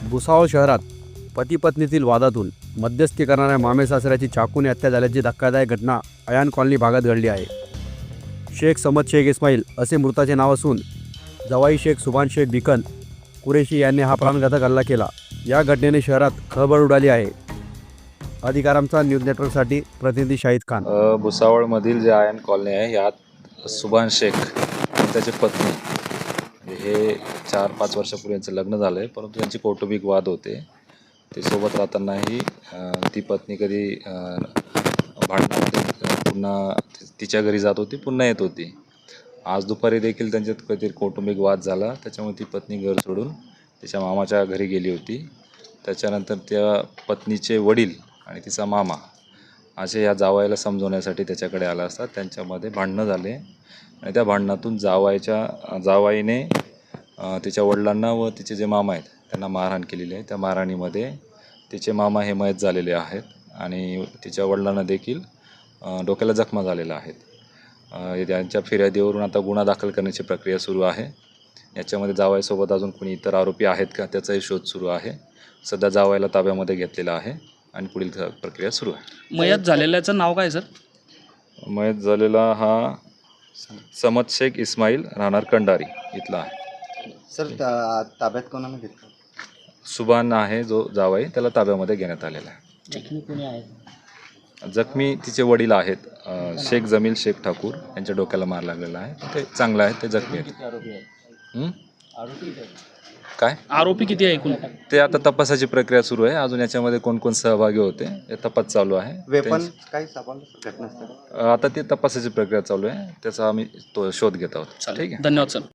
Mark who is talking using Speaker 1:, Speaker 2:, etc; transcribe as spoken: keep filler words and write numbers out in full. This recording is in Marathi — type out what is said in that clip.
Speaker 1: भुसावळ शहरात पती पत्नीतील वादातून मध्यस्थी करणाऱ्या मामे सासऱ्याची चाकूने हत्या झाल्याची धक्कादायक घटना अयान कॉलनी भागात घडली आहे. शेख समद शेख इस्माईल असे मृताचे नाव असून जवाई शेख सुभान शेख बिकन कुरेशी यांनी हा प्राणघातक हल्ला केला. या घटनेने शहरात खळबळ उडाली आहे. अधिकारांचा न्यूज नेटवर्कसाठी प्रतिनिधी शाहिद खान.
Speaker 2: अ, भुसावळमधील जे आयन कॉलनी आहे यात सुभान शेख आणि त्याची पत्नी हे चार पाच वर्षापूर्वीचं लग्न झालं आहे, परंतु त्यांचे कौटुंबिक वाद होते. ते सोबत राहतानाही अ, ती पत्नी कधी अ, भांडणामध्ये पुन्हा तिच्या घरी जात होती, पुन्हा येत होती. आज दुपारी देखील त्यांच्यात काहीतरी कौटुंबिक वाद झाला, त्याच्यामुळे ती पत्नी घर सोडून तिच्या मामाच्या घरी गेली होती. त्याच्यानंतर त्या पत्नीचे वडील आणि तिचा मामा असे या जावयाला समजवण्यासाठी त्याच्याकडे आला असता त्यांच्यामध्ये भांडणं झाले आणि त्या भांडणातून जावायच्या जावाईने अ, तिच्या वडिलांना व तिचे जे मामा आहेत त्यांना मारहाण केलेली आहे. त्या मारहाणीमध्ये तिचे मामा हे मयत झालेले आहेत आणि तिच्या वडिलांना देखील अ, डोक्याला जखमा झालेल्या आहेत. अ, त्यांच्या फिर्यादीवरून आता गुन्हा दाखल करण्याची प्रक्रिया सुरू आहे. याच्यामध्ये जावयासोबत अजून कोणी इतर आरोपी आहेत का त्याचाही शोध सुरू आहे. सध्या जावयाला ताब्यामध्ये घेतलेला आहे आणि पुढील प्रक्रिया सुरू आहे.
Speaker 3: मयत झालेल्याचं नाव काय सर?
Speaker 2: मयत झालेला हा समद शेख इस्माईल राहणार कंडारी इथला आहे.
Speaker 4: सर ता ताब्यात कोणाला घेतलं?
Speaker 2: सुभान आहे जो जावाई, त्याला ताब्यामध्ये घेण्यात आलेला आहे.
Speaker 3: जखमी कोणी आहे?
Speaker 2: जखमी तिचे वडील आहेत, अ, शेख जमील शेख ठाकूर यांच्या डोक्याला मार लागलेला आहे. ते चांगलं आहे, ते जखमी आहेत.
Speaker 3: आरोपी आहे.
Speaker 2: हं?
Speaker 3: आरोपी
Speaker 2: काय
Speaker 3: आरोपी किती आहे एकूण?
Speaker 2: ते आता तपासाची प्रक्रिया सुरू आहे. अजून याच्यामध्ये कोण कोण सहभागी होते हे तपास चालू आहे.
Speaker 4: वेपन काही सापडलं घटनास्थळी?
Speaker 2: अ, आता ती तपासाची प्रक्रिया चालू आहे, त्याचा आम्ही तो शोध घेत आहोत.
Speaker 3: चालेल.
Speaker 2: ठीक आहे.
Speaker 3: धन्यवाद सर.